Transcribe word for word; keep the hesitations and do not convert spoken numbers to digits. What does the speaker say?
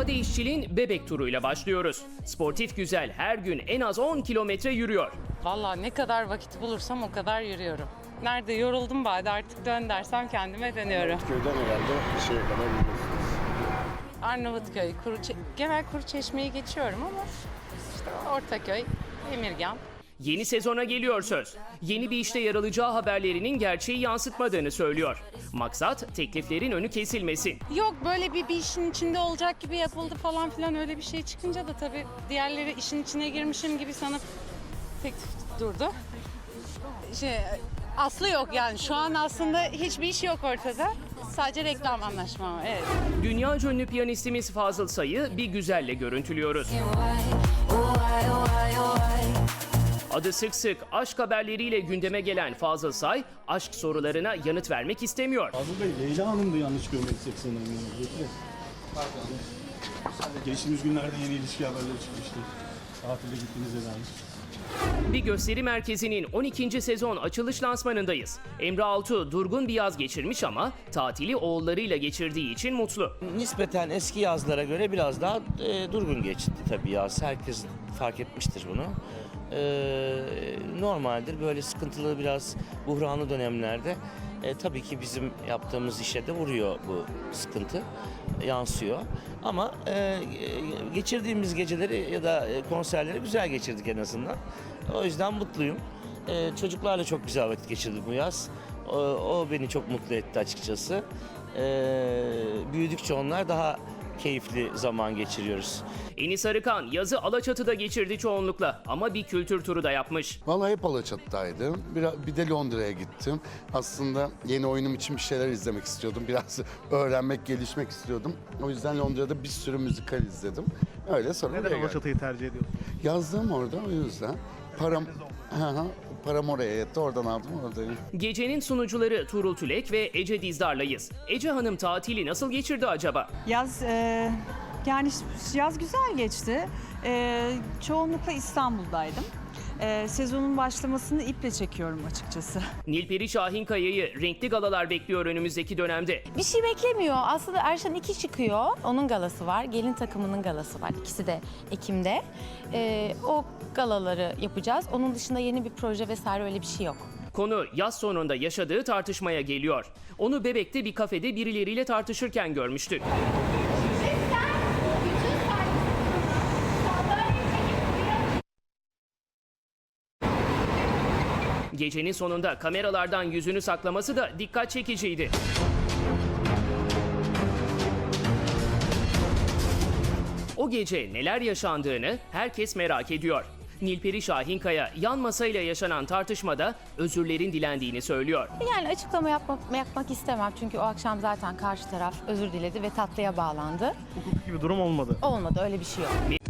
Sade İşçil'in bebek turuyla başlıyoruz. Sportif güzel her gün en az on kilometre yürüyor. Vallahi ne kadar vakit bulursam o kadar yürüyorum. Nerede yoruldum bari artık dön dersem kendime dönüyorum. Köyden herhalde bir şeye kadar gidiyorsunuz. Arnavutköy, Kuruçe genel Kuruçeşme'yi geçiyorum ama işte Ortaköy, Emirgan. Yeni sezona geliyor söz. Yeni bir işte yer alacağı haberlerinin gerçeği yansıtmadığını söylüyor. Maksat tekliflerin önü kesilmesin. Yok böyle bir, bir işin içinde olacak gibi yapıldı falan filan öyle bir şey çıkınca da tabii diğerleri işin içine girmişim gibi sanıp teklif durdu. Şey, aslı yok yani şu an aslında hiçbir iş yok ortada. Sadece reklam anlaşma var, evet. Dünyaca ünlü piyanistimiz Fazıl Say'ı bir güzelle görüntülüyoruz. Adı sık sık aşk haberleriyle gündeme gelen Fazıl Say, aşk sorularına yanıt vermek istemiyor. Fazıl Bey, Leyla Hanım'dı yanlış görmediysek sanırım. Geçtiğimiz günlerde yeni ilişki haberleri çıkmıştı. Tatile gittiğinizde dair. Bir gösteri merkezinin on ikinci sezon açılış lansmanındayız. Emre Altuğ durgun bir yaz geçirmiş ama tatili oğullarıyla geçirdiği için mutlu. Nispeten eski yazlara göre biraz daha e, durgun geçti tabii yaz. Herkes fark etmiştir bunu. E, normaldir böyle sıkıntılı biraz buhranlı dönemlerde e, tabii ki bizim yaptığımız işe de vuruyor bu sıkıntı, yansıyor. Ama e, geçirdiğimiz geceleri ya da konserleri güzel geçirdik en azından. O yüzden mutluyum. E, çocuklarla çok güzel vakit geçirdik bu yaz. O, o beni çok mutlu etti açıkçası. E, büyüdükçe onlar daha keyifli zaman geçiriyoruz. Enis Arıkan yazı Alaçatı'da geçirdi çoğunlukla ama bir kültür turu da yapmış. Vallahi hep Alaçatı'daydım. Bir, bir de Londra'ya gittim. Aslında yeni oyunum için bir şeyler izlemek istiyordum. Biraz öğrenmek, gelişmek istiyordum. O yüzden Londra'da bir sürü müzikal izledim. Öyle sonra Neden buraya geldim. Alaçatı'yı tercih ediyorsun? Yazdım orada o yüzden. Param, Hı hı, param oraya yetti. Oradan aldım oradayım. Gecenin sunucuları Tuğrul Tülek ve Ece Dizdar'layız. Ece Hanım tatili nasıl geçirdi acaba? Yaz e, yani yaz güzel geçti. E, çoğunlukla İstanbul'daydım. E, sezonun başlamasını iple çekiyorum açıkçası. Nilperi Şahinkaya'yı renkli galalar bekliyor önümüzdeki dönemde. Bir şey beklemiyor. Aslında Erşan iki çıkıyor. Onun galası var. Gelin takımının galası var. İkisi de Ekim'de. Ee, o galaları yapacağız. Onun dışında yeni bir proje vesaire öyle bir şey yok. Konu yaz sonunda yaşadığı tartışmaya geliyor. Onu Bebek'te bir kafede birileriyle tartışırken görmüştük. Gecenin sonunda kameralardan yüzünü saklaması da dikkat çekiciydi. O gece neler yaşandığını herkes merak ediyor. Nilperi Şahinkaya yan masayla yaşanan tartışmada özürlerin dilendiğini söylüyor. Yani açıklama yapmak, yapmak istemem. Çünkü o akşam zaten karşı taraf özür diledi ve tatlıya bağlandı. Hukuki bir durum olmadı. Olmadı, öyle bir şey yok.